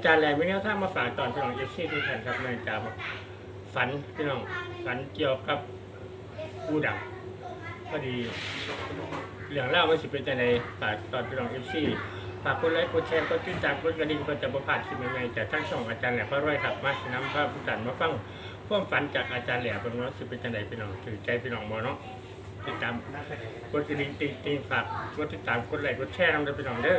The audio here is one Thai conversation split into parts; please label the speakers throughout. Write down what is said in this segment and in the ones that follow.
Speaker 1: จารย์แหลมวิเนี่ยถ้ามาฝากตอนพี่น้องเอฟซีทุกท่านครับในจากฝันพี่น้องฝันเกี่ยวกับผู้ดังพอดีเรื่องเล่าไม่สิเป็นใจในฝากตอนพี่น้องเอฟซีฝากกดไลค์กดแชร์กดติดตามกดกระดิ่งเพื่อจะประพลาดคลิปใหม่ๆจากทั้งช่องอาจารย์แหลมพระร้อยครับมาสนำพระผู้จัดมาฟังความฝันจากอาจารย์แหลมเป็นว่าสิเป็นใจในพี่น้องถือใจพี่น้องบ่เนาะติดตามกดกระดิ่งติงฝากกดติดตามกดไลค์กดแชร์นำพี่น้องเด้อ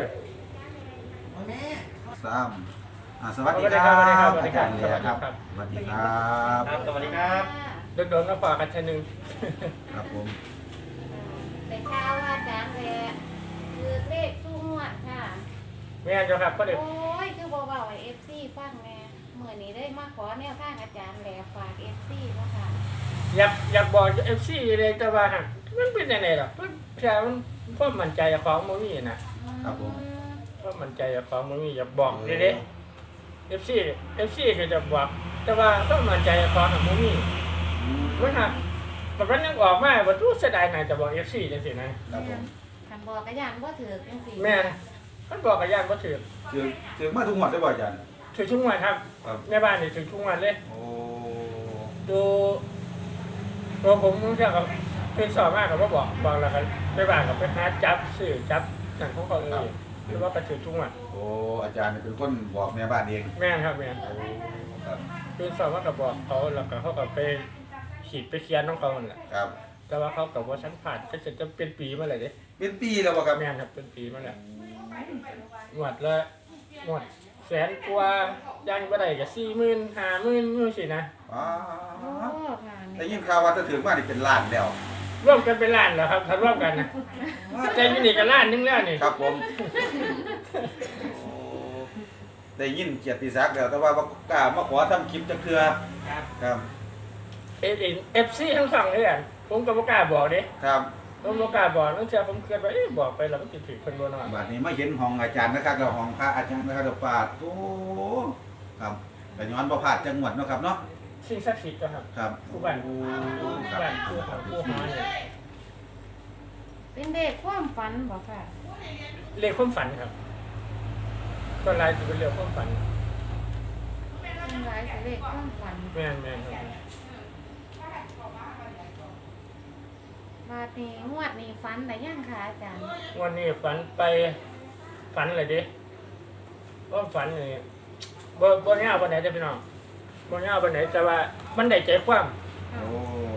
Speaker 2: สวัสดีครับอาจารย์เลียครับสวัสดีครับ
Speaker 1: สวัสดีครับโดนๆก็ฝากกันชนึง
Speaker 2: ครับผม
Speaker 3: แต่ข้าวว่าอาจารย์แหละคือเลขสู้งวดค่ะ
Speaker 1: ไม่งั้นจะครับก็เด็ก
Speaker 3: โอ้ยคือเบาๆไอเอฟซีฟังแม่เมื่อนี้ได้มาขอแนวทางอาจารย์แหละฝากเอฟซีเนาะค่ะ
Speaker 1: อยากบอกเอฟซีเลยแต่ว่ามันเป็นยังไงหรอมันแค่มันก็มั่นใจของมันมีนะครับ
Speaker 2: ผม
Speaker 1: ก็มั่นใจของมันมีอยากบอกเด็กเอฟซีคือจะบอกแต่ว่าก็มั่นใจของมันมีมันหักแบบนั้นยังออกมาว่าตู้เสียดายน่าจะบอกเอฟซีจังสินะครับ
Speaker 2: ผม
Speaker 3: คำบอกกระยานบ่ถือจังสิ
Speaker 1: แม่มันบอกกับญาติว่าถื
Speaker 2: อมาทุกหมดได้บ่อาจารย์
Speaker 1: ถือชุ่งวันครับในบ้านนี่ถือชุ่งวันเลย
Speaker 2: โอ้
Speaker 1: ดูตัวผมเชื่อกับเป็นสอบมากกับว่าบอกแล้วครับไปบ้านกับไปหาจับสื่อจับสั่งของเขาเองหรือว่ากระถือชุ่งวัน
Speaker 2: โอ้อาจารย์เป็นคนบอกแม่บ้านเอง
Speaker 1: แม่ครับแม่
Speaker 2: ครับ
Speaker 1: เป็นสอบมากกับบอกเขาแล้วก็เขากับไปขีดไปเคียนน้องเขาแหละ
Speaker 2: ครับ
Speaker 1: แต่ว่าเขากับว่าฉันผ่านก็จะเป็นปีมาเลยเด้
Speaker 2: เป็นปีแล้วบ่ครับ
Speaker 1: แม่ครับเป็นปีมาแล้วงวดละงวดแสนกว่ายังไม่ได้กับ40,000 50,000นู่นสินะ
Speaker 2: อ๋อ
Speaker 3: โอ้ค่ะ
Speaker 2: ได้ยินข่าวว่าจะถึงมานี่เป็นล้านแล้ว
Speaker 1: ร่วมกันเป็นล้านแล้วครับถ้าร่วมกันนะใจมินิกับล้านนึงแล้วนี่
Speaker 2: ครับผมได้ยินเกียรติศักดิ์แล้วแต่ว่าบ่กล้ามาขอทำคลิปจักเทื่อครับ
Speaker 1: FC ทั้งสองเลยอ่ะผมก็บ่กล้าบอกเด้
Speaker 2: ครับ
Speaker 1: ผมบ่กล้าบอกนั่นเชื่อผมเคยไปบอกไปแล้วมันสิผิดเพิ่นบ่เนาะ
Speaker 2: บัดนี้มาเห็นห้องอาจารย์นะครับแล้วห้องพระอาจารย์นะครับปาดโอ้ครับก็ย้อนบ่พลาดจังหวัดเนาะครับเนาะ
Speaker 1: สิ่งศักดิ์สิทธิ์ครับ
Speaker 2: ครับ
Speaker 1: ผู้บ้านผู้หอนี่
Speaker 3: เป็นเด็กความฝันบ่ค่ะ
Speaker 1: เลขความฝันครับก็หลายสิเป็นเรื่องความฝัน
Speaker 3: เป็นหลายสิเลขความฝัน
Speaker 1: แม่นครับ
Speaker 3: บาดนี้งวดนี้ฝันได้ยังค่ะอาจารย์
Speaker 1: วันนี้ฝันอะไรดิว่าฝันนี่บ่ยาวปานใดเด้อพี่น้องบ่ยาวปานใดแต่ว่ามันได้ใจความ
Speaker 2: โอ้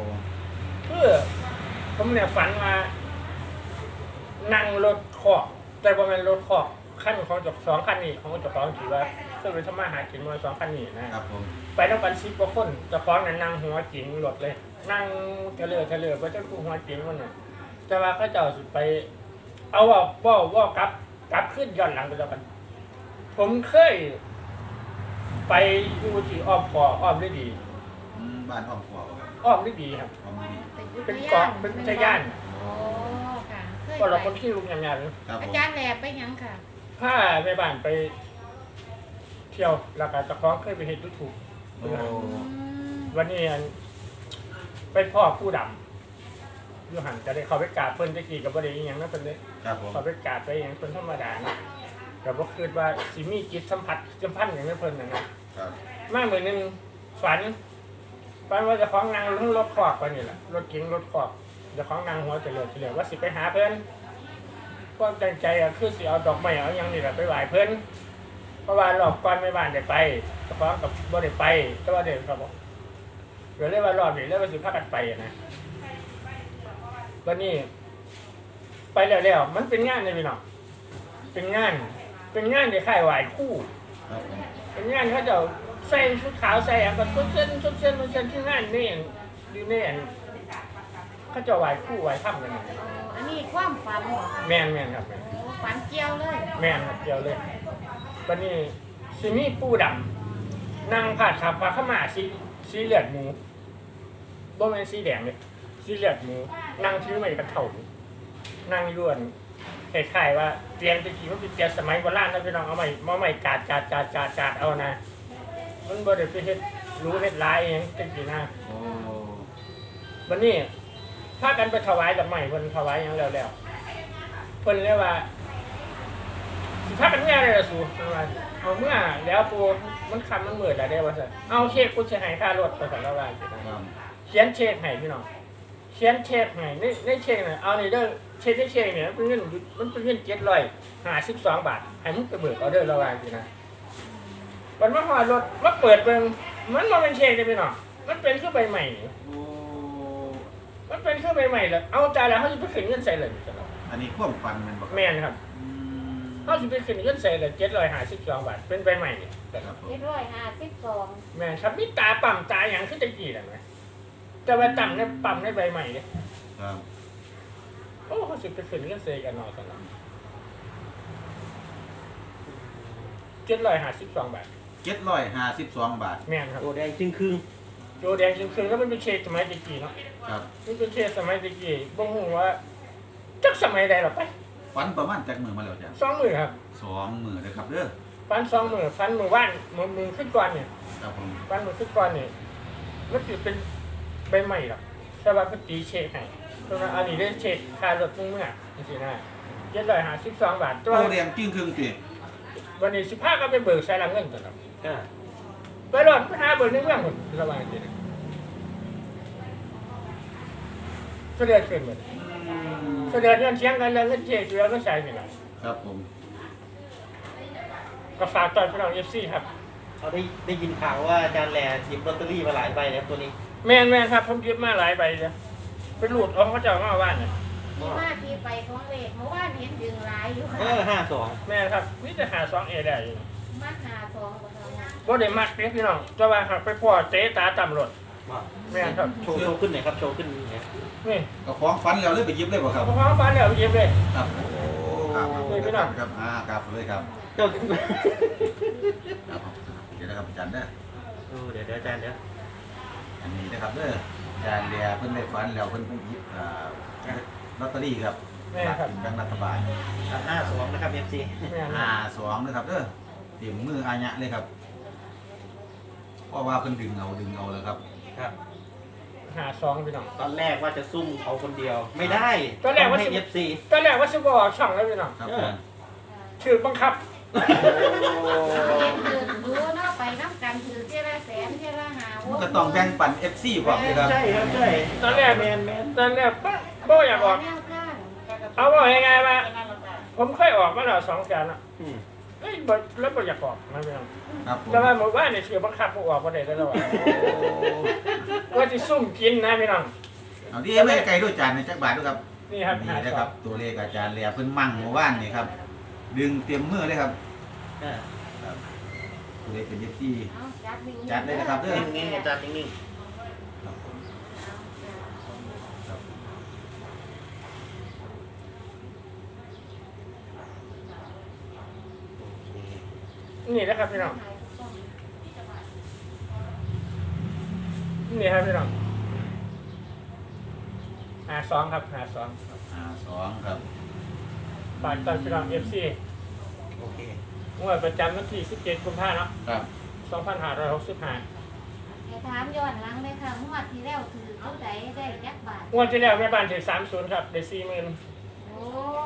Speaker 1: ผมเนี่ยฝันว่านั่งรถคอกแต่บ่แม่นรถคอกคันของเจ้า2คันนี้ของเจ้าของที่ว่าเคยไปทำมาหากินมา2คันนี้นะครับ
Speaker 2: ผม
Speaker 1: ไปนำกัน10กว่าคนเจ้าของนั้นนั่งหัวจิ๋งรถเลยนั่งเทเลอร์บ่จักกูหัวจิ๋งมันน่ะแต่ว่าเขาเจ้าสิไปเอาว่ากลับขึ้นย้อนหลังไปแล้วกันผมเคยไปอยู่ที่อ้อมฤดี
Speaker 2: บ้านอ้อมขวบครับ
Speaker 1: อ้อมฤดีครับเป็นเกาะเป็นชายย่าน
Speaker 3: โอ้ค่ะ
Speaker 1: ก็เราคนที่ลุงยำ
Speaker 3: อาจารย์แหลบไปยังค่ะ
Speaker 1: ถ้าแม่บ้านไปเที่ยวแล้วก็เจ้าของเคยไปเห็นYouTubeวันนี้ไปพ่อผู้ดำอยู่หันจะได้เขาไปกราบเพิ่นจะขี่กับบ่ได้อีหยังนะเพิ่นเด้เขาไปกราบไปอย่างเพิ่นธรรมดานะก็บ่คิดว่าสิมีจิตสัมพันธ์อย่างนั้นเพิ่นนะครับมามื้อนึงฝันว่าเจ้าของนั่งรถคอกไปนี่แหละรถเก๋งรถคอกเจ้าของนั่งหัวเฉลียวว่าสิไปหาเพิ่นความตั้งใจก็คือสิเอาดอกไม้เอาหยังนี่แหละไปไหว้เพิ่นเพราะว่ารอบก่อนแม่บ้านได้ไปเจ้าของกับบ่ได้ไปแต่ว่าเด็กครับก็เลยว่ารอบนี้เลยว่าสิพากันไปนะวันนี้ไปแล้วมันเป็นงานเลยพี่น้องเป็นงานที่ค่ายไหว้คู่เป็นงานเขาจะใส่ชุดขาวใส่แบบชุดเส้นที่งานนี่ดีนี่เขาจะไหว้คู่ไหว้ถ้ำกัน
Speaker 3: อันนี้ความฝันเหรอ
Speaker 1: แม่นครับ
Speaker 3: ฝันเกี่ยวเลย
Speaker 1: แม่นครับเกี่ยวเลยวันนี้ซิมีปูดำนั่งผัดขับปลาข้ามาสีเหลือดหมูบ่แม่นสีแดงเลยสีเหลือดหมูนั่งถือไม้กระเถ่านั่งย้วนคล้ายๆว่าเตียงตะกี้มันเป็นเตียงสมัยโบราณนะพี่น้องเอาไม้กาดเอานะมันบ่ได้ไปเฮ็ดรู้เฮ็ดลายเองตะกี้นะวันนี้พากันไปถวายดอกไม้เพิ่นถวายหยังแล้วเพิ่นเรียกว่าสิพากันแง่เลยล่ะสู่ว่าเอาเมื่อแล้วปูมันคำมันเหมือนอะไรได้วะสิเอาเช็คกูจะให้ค่ารถไปสั่งละวันเขียนเช็คให้พี่น้องเขียนเช็คให้ในเช็คเนี่ยเอาในเด้อเช็คในเช็คเนี่ยมันเป็นเงิน752 บาทให้มึงไปเบิกเอาเด้อละวันสินะวันมาหอดรถมาเปิดเบิ่งมันมาเป็นเช็คเลยพี่น้องมันเป็นเครื่องใบใหม่มันเป็นเครื่องใบใหม่เลยเอาใจแล้วเขาจะไปขึ้นเงินใส่เลย
Speaker 2: อันนี้ความฝันมันบอก
Speaker 1: แม่นครับเขาจะไปขึ้นเงินใส่เลย752 บาทเป็นใบใหม่เนี่ย
Speaker 2: ครับผม
Speaker 3: 752
Speaker 1: แม่นครับมีตาปั่มตาอย่างขึ้นตะกี้นั่นไหมแต่ว่าต่ำในปั่มในใบใหม่เนี่ย
Speaker 2: ครับ
Speaker 1: โอ้เขาสิไปขึ้นเงินใส่กันหน่อยสำหรับ752 บาท
Speaker 2: 752 บาท
Speaker 1: แม่นครับ
Speaker 4: โอ้แดงจึงครึ่ง
Speaker 1: โจแดงจริงๆแล้วมันเป็นเชดสมัยตะกี้เนาะ
Speaker 2: ครับ
Speaker 1: มันเป็นเชดสมัยตะกี้บ่ฮู้ว่าจักสมัยใดหรอไป
Speaker 2: ฝันประมาณจักมือมาแล้วจ้ะ
Speaker 1: 2 มื้อครับ
Speaker 2: 2 มือเลยครับเด้อ
Speaker 1: ฟัน2 มื้อฟันมื้อว่านมื้อขึ้นก่อนเนี่ย
Speaker 2: ครับผม
Speaker 1: ฟันมื้อขึ้นก่อนเนี่ยมันสิเป็นใบใหม่หรอกแต่ว่าเพิ่นตีเชดให้เพราะว่าอันนี้ได้เชดค่ารถมึงเมื่อจังซี่นะ752 บาทตัว
Speaker 2: โตแดงจึ้งครึ่งติ
Speaker 1: วันนี้15ก็ไปเบิกใส่หลังเงินตัวครับ
Speaker 4: อ่า
Speaker 1: ไปรอดไปหาเบิกในเมืองพุ่นระวังจังซี่เสด็จขึ้นหมดเสด็จเงินเสียงกันแล้วเงินเชดอยู่แล้วก็ใช้นี่ล่ะ
Speaker 2: ครับผม
Speaker 1: ก็ฝากตอนพี่น้อง FC ครับ
Speaker 4: เขาได้ยินข่าวว่าอาจารย์แหล่หยิบลอตเตอรี่มาหลายใบแล้วตัวนี้
Speaker 1: แม่นครับผมยึดมาหลายใบเลยไปหลุดเอาเขาเจ้ามาว่านเนี่ย
Speaker 3: ที่มาที่ไปของเลขเมื่อวานเห็นดึงหลายอยู่ค่ะ
Speaker 4: 52
Speaker 1: แม่นครับนี่จะหา2A ได้อยู่
Speaker 3: มาหา2บ่ทำ
Speaker 1: บ่ได้มักเด้พี่น้องแต่ว่าหากไปพ่อเตะตาต่ำรถ
Speaker 4: ว่า
Speaker 1: แม่นครับ
Speaker 4: โชว์ขึ้นหน่อยครับโชว์ขึ้นเนี่ย
Speaker 1: นี่
Speaker 2: ก็ของฝันแล้วเลยไปหยิบเลยบ่ครับ
Speaker 1: เอาของฟ้าแล้วเย็บเลย
Speaker 2: ครับโอ้ครับ
Speaker 1: นี่พี่น้อง
Speaker 2: ครับครับเลยครับ
Speaker 4: เจ้า
Speaker 2: ครับเดี๋ยวนะครับอาจารย์เด้อ
Speaker 4: เดี๋ยวอาจารย์เดี๋ยว
Speaker 2: อันนี้นะครับเด้ออาจารย์เลียเพิ่นได้ฝันแล้วเพิ่นไปหยิบลอตเตอรี่ครับ
Speaker 1: แม่นครับ
Speaker 2: แบงค์รัฐบาล
Speaker 4: 52นะครับ FC
Speaker 1: แม่นครับ
Speaker 2: 52นะครับเด้อเตรียมมืออาญะเลยครับเพราะว่าเพิ่นดึงเอาแล้วครับ
Speaker 4: ครับ
Speaker 1: หา2พี่น้อง
Speaker 4: ตอนแรกว่าจะซุ่มเขาคนเดียวไม่ได้
Speaker 1: ตอนแรกว่า
Speaker 4: ให้ FC
Speaker 1: ตอนแรกว่าสิบ่ออกช่องแล้วพี่น้อง
Speaker 2: ครับผม
Speaker 1: ถือบังคับ
Speaker 3: เห็นถือดูเนาะไปน้ำกันถือเท่าละแสนเท่าละหา
Speaker 2: มันก็ต้องแบ่งปัน FC พร้อมเลยครับ
Speaker 4: ใช่ครับใช่
Speaker 1: ตอนแรก
Speaker 4: แมน
Speaker 1: ตอนแรกบ่อยากออก
Speaker 3: แนวข้าง
Speaker 1: เอาว่ายังไงว่าผมเคยออกมาแล้ว2แสนอ่ะ
Speaker 4: อืม
Speaker 1: เอ้ยบ่แล้วบ่อยากออกนะพี่น้อง
Speaker 2: ครับผม
Speaker 1: แต่ว่าหมู่บ้านเนี่ยถือบังคับบ่ออกบ่ได้แล้วอ่ะก็สิซุ่มกินนะพี่น้อง
Speaker 2: เอาที่ไม่ไกลด้วยจานในจักบาทด้วยครับ
Speaker 1: นี่ครับ
Speaker 2: นี่นะครับ ตัวเลขอาจารย์เลียเพิ่นมั่งเมื่อวานนี่ครับ ดึงเตรียมมือเลยครับ
Speaker 4: อ่า
Speaker 2: ครับตัวเลขเป็น FC
Speaker 3: เอาจัดนิ่งๆ
Speaker 2: จัดเลยนะครับเด้อ
Speaker 4: นิ่งๆอาจารย์นิ่ง
Speaker 2: ครับผมครับ
Speaker 4: ๆโอเค
Speaker 1: นี่นะครับพี่น้องนี่ครับพี่น้อง52ครับ52
Speaker 2: 52ครับ
Speaker 1: ฝากตอนพี่น้อง FC
Speaker 4: โอเค
Speaker 1: งวดประจำวันที่17กุมภาพันธ์เนาะ
Speaker 2: ครับ
Speaker 1: 2565
Speaker 3: ให้ถามย้อนหลังเลยค่ะงวดที่แล้วถือเท่าใดได้จักบาท
Speaker 1: งวดที่แล้วแม่บ้านถือ30ครับได้40,000
Speaker 3: โอ้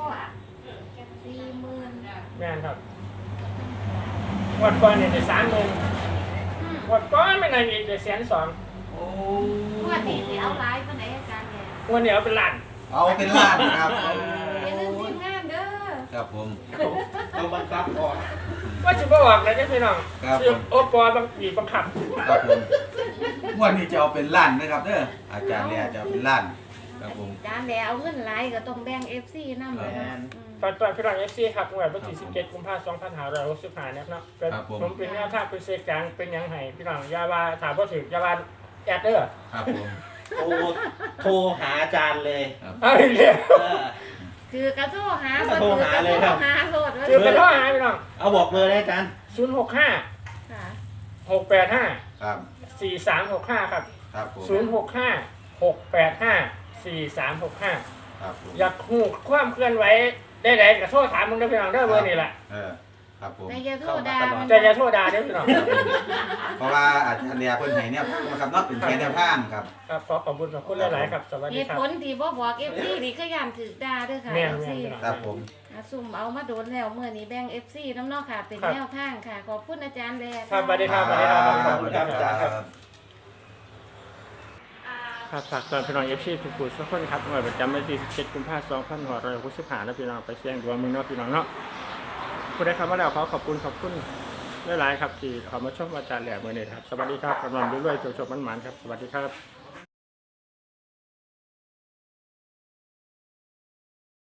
Speaker 3: 40,000
Speaker 1: แม่นครับงวดก่อนเนี่ยได้30,000งวดก่อนไม่นานอีกได้120,000
Speaker 2: โอ้
Speaker 3: งวดนี้สิเอาหลายปานใดอาจารย์เนี่ย
Speaker 1: งวดนี้เอาเป็นล้าน
Speaker 2: เอาเป็นล้านครับ
Speaker 3: อย่าลืมทีมงานเด้อ
Speaker 2: ครับผม
Speaker 4: ต้องบังคับก่อน
Speaker 1: ว่าสิบ่ออกเลยเด้อพี่น้อง
Speaker 2: ครับ
Speaker 1: คือโอปอบางปีบังคับ
Speaker 2: ครับผมงวดนี้จะเอาเป็นล้านนะครับเด้ออาจารย์เลียจะเอาเป็นล้านครับผม
Speaker 3: อาจารย์แล้วเอาเงินหลายก็ต้องแบ่ง FC นำเลย
Speaker 1: ตอนพี่น้อง FC ครับงวดวันที่17กุมภาพันธ์2565นะครับเนาะก็ผมเป็นแนวทางเป็นเซกลางเป็นหยังไงพี่น้องอย่าว่าถามบ่ถูกอย่าว่าแอดเด้อ
Speaker 2: ครับผม
Speaker 4: โทรหาอาจารย์เลย
Speaker 1: เอาอีกแล้ว
Speaker 4: เออ
Speaker 3: คือกระโทรหา
Speaker 4: โทรหาเลยครับ
Speaker 3: หาโลด
Speaker 1: คือเป็นข้อหาพี่น้อง
Speaker 4: เอาบอกเลยนะอาจารย์
Speaker 1: 065
Speaker 3: ค่ะ
Speaker 1: 685
Speaker 2: ครับ
Speaker 1: 4365ครับ
Speaker 2: ครับผม
Speaker 1: 065 685 4365
Speaker 2: ครับผม
Speaker 1: อยากฮู้ความเคลื่อนไหวได้ๆก็โทรถามมึงเด้อพี่น้องเด้อเบอร์นี่แหละ
Speaker 2: ครับผม
Speaker 3: แต่อย่าโทรด่ามัน
Speaker 1: แต่อย่าโทรด่าเด้อพี่น้อง
Speaker 2: เพราะว่าอาจารย์เลียเพิ่นให้เนี่ยนะครับเนาะเป็นแค่แนวทางครับ
Speaker 1: ครับขอขอบคุณหลายๆครับสวัส
Speaker 3: เห
Speaker 1: ดี
Speaker 3: ตุ
Speaker 1: ครับ
Speaker 3: ผลที่บ่บอก FC นี่ก็ย่านถือด่าเด้อค่ะ
Speaker 1: แม่น
Speaker 3: FC
Speaker 1: ๆ
Speaker 2: ครับผม
Speaker 3: อ่ะซุ่มเอามาโดนแล้วเมื่อนี้แบ่ง FC น้ำเนอกค่ะ เป็น
Speaker 1: ครับ
Speaker 3: แนวทางค่ะ ขอบคุณอาจารย์แล
Speaker 1: ครับสวัสดีครับสวัสดีครับขอบคุณครับ
Speaker 4: อาจารย์ครับ
Speaker 1: ครับฝากตอนพี่น้องเอฟซีทุกผู้ทุกคนครับหน่วยประจำวันที่17 กุมภาพันธ์ 2565นะพี่น้องไปเสี่ยงดวงมึงเนาะพี่น้องเนาะผู้ใดเข้ามาแล้วขอขอบคุณหลายๆครับที่เข้ามาชมอาจารย์แหลมมื้อนี้ครับสวัสดีครับกำลังด้วยๆโชคๆมันๆครับสวัสดีครับ